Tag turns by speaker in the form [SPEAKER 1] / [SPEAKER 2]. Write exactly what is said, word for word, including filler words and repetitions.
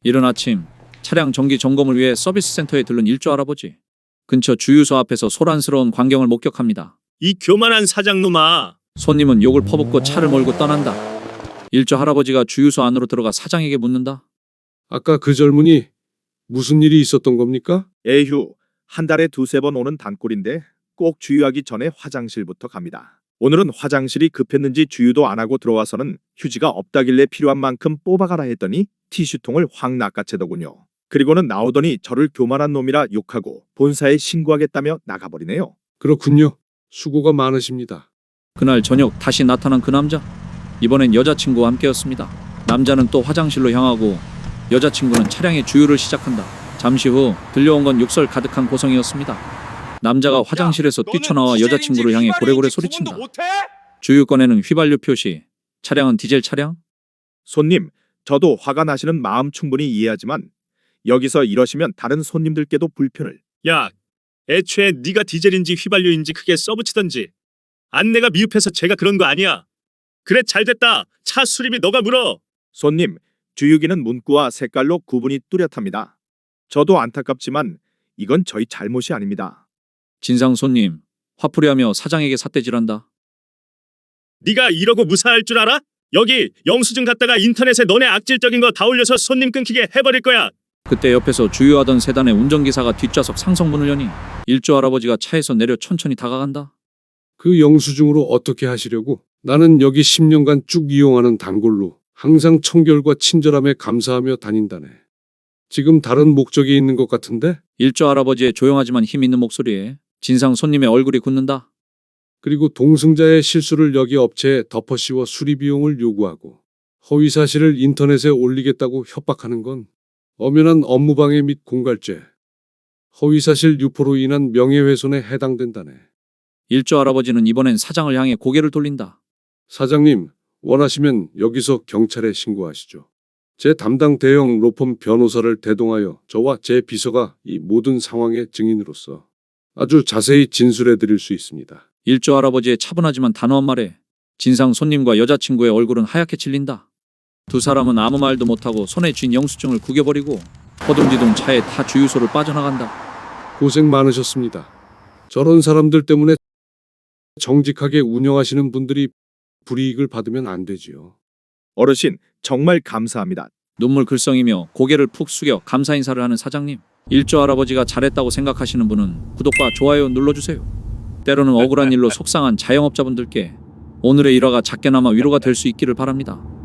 [SPEAKER 1] 이른 아침 차량 정기 점검을 위해 서비스 센터에 들른 일조 할아버지. 근처 주유소 앞에서 소란스러운 광경을 목격합니다.
[SPEAKER 2] 이 교만한 사장놈아.
[SPEAKER 1] 손님은 욕을 퍼붓고 차를 몰고 떠난다. 일조 할아버지가 주유소 안으로 들어가 사장에게 묻는다.
[SPEAKER 3] 아까 그 젊은이 무슨 일이 있었던 겁니까?
[SPEAKER 4] 에휴, 한 달에 두세 번 오는 단골인데 꼭 주유하기 전에 화장실부터 갑니다. 오늘은 화장실이 급했는지 주유도 안 하고 들어와서는 휴지가 없다길래 필요한 만큼 뽑아가라 했더니 티슈통을 확 낚아채더군요. 그리고는 나오더니 저를 교만한 놈이라 욕하고 본사에 신고하겠다며 나가버리네요.
[SPEAKER 3] 그렇군요. 수고가 많으십니다.
[SPEAKER 1] 그날 저녁 다시 나타난 그 남자. 이번엔 여자친구와 함께였습니다. 남자는 또 화장실로 향하고 여자친구는 차량의 주유를 시작한다. 잠시 후 들려온 건 욕설 가득한 고성이었습니다. 남자가 화장실에서 뛰쳐나와 여자친구를 향해 고래고래 소리친다. 주유권에는 휘발유 표시. 차량은 디젤 차량?
[SPEAKER 4] 손님, 저도 화가 나시는 마음 충분히 이해하지만 여기서 이러시면 다른 손님들께도 불편을.
[SPEAKER 2] 야, 애초에 네가 디젤인지 휘발유인지 크게 써붙이던지. 안내가 미흡해서 제가 그런 거 아니야. 그래, 잘됐다. 차 수리비 너가 물어.
[SPEAKER 4] 손님, 주유기는 문구와 색깔로 구분이 뚜렷합니다. 저도 안타깝지만 이건 저희 잘못이 아닙니다.
[SPEAKER 1] 진상 손님, 화풀이하며 사장에게 삿대질한다.
[SPEAKER 2] 네가 이러고 무사할 줄 알아? 여기 영수증 갖다가 인터넷에 너네 악질적인 거 다 올려서 손님 끊기게 해버릴 거야.
[SPEAKER 1] 그때 옆에서 주유하던 세단의 운전기사가 뒷좌석 상성문을 여니 일조 할아버지가 차에서 내려 천천히 다가간다.
[SPEAKER 3] 그 영수증으로 어떻게 하시려고? 나는 여기 십 년간 쭉 이용하는 단골로 항상 청결과 친절함에 감사하며 다닌다네. 지금 다른 목적이 있는 것 같은데?
[SPEAKER 1] 일조 할아버지의 조용하지만 힘 있는 목소리에 진상 손님의 얼굴이 굳는다.
[SPEAKER 3] 그리고 동승자의 실수를 여기 업체에 덮어씌워 수리 비용을 요구하고 허위 사실을 인터넷에 올리겠다고 협박하는 건 엄연한 업무방해 및 공갈죄, 허위 사실 유포로 인한 명예훼손에 해당된다네.
[SPEAKER 1] 일조 할아버지는 이번엔 사장을 향해 고개를 돌린다.
[SPEAKER 3] 사장님, 원하시면 여기서 경찰에 신고하시죠. 제 담당 대형 로펌 변호사를 대동하여 저와 제 비서가 이 모든 상황의 증인으로서 아주 자세히 진술해 드릴 수 있습니다.
[SPEAKER 1] 일조 할아버지의 차분하지만 단호한 말에 진상 손님과 여자친구의 얼굴은 하얗게 질린다. 두 사람은 아무 말도 못하고 손에 쥔 영수증을 구겨버리고 허둥지둥 차에 타 주유소를 빠져나간다.
[SPEAKER 3] 고생 많으셨습니다. 저런 사람들 때문에 정직하게 운영하시는 분들이 불이익을 받으면 안 되지요.
[SPEAKER 4] 어르신, 정말 감사합니다.
[SPEAKER 1] 눈물 글썽이며 고개를 푹 숙여 감사 인사를 하는 사장님. 일조 할아버지가 잘했다고 생각하시는 분은 구독과 좋아요 눌러주세요. 때로는 억울한 일로 속상한 자영업자분들께 오늘의 일화가 작게나마 위로가 될 수 있기를 바랍니다.